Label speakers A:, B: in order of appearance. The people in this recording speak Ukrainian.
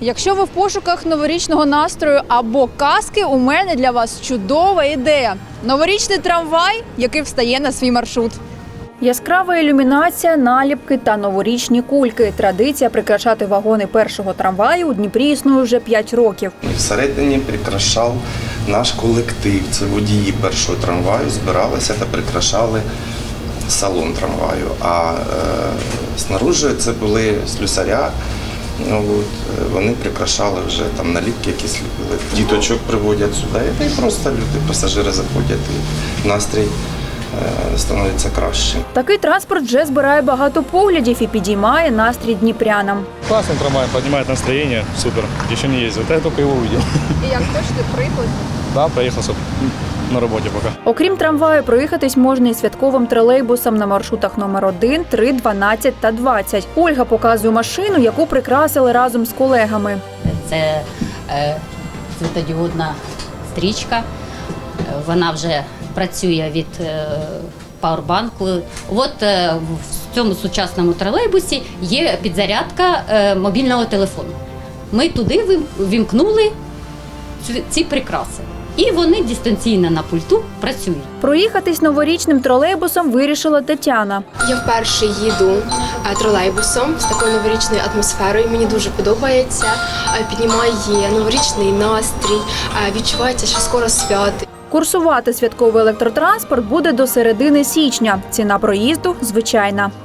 A: Якщо ви в пошуках новорічного настрою або казки, у мене для вас чудова ідея. Новорічний трамвай, який встає на свій маршрут. Яскрава ілюмінація, наліпки та новорічні кульки. Традиція прикрашати вагони першого трамваю у Дніпрі існує вже 5 років.
B: Всередині прикрашав наш колектив. Це водії першого трамваю збиралися та прикрашали салон трамваю. А снаружи це були слюсаря. Вони прикрашали вже там наліпки, якісь ліпили. Діточок приводять сюди, і просто люди, пасажири заходять, і настрій становиться краще.
A: Такий транспорт вже збирає багато поглядів і підіймає настрій дніпрянам.
C: Классный трамвай, поднимает настроение, супер. Еще не ездил, я только его увидел.
A: І як теж ти приклад?
C: Да, проехал на работе пока.
A: Окрім трамваю, проїхатись можна і святковим тролейбусом на маршрутах номер 1, 3, 12 та 20. Ольга показує машину, яку прикрасили разом з колегами.
D: Це світодіодна стрічка, вона вже працює від пауербанку. От в цьому сучасному тролейбусі є підзарядка мобільного телефону. Ми туди вімкнули ці прикраси. І вони дистанційно на пульту працюють.
A: Проїхатись новорічним тролейбусом вирішила Тетяна.
E: Я вперше їду тролейбусом з такою новорічною атмосферою. Мені дуже подобається. Піднімає новорічний настрій, відчувається, що скоро свято.
A: Курсувати святковий електротранспорт буде до середини січня. Ціна проїзду звичайна.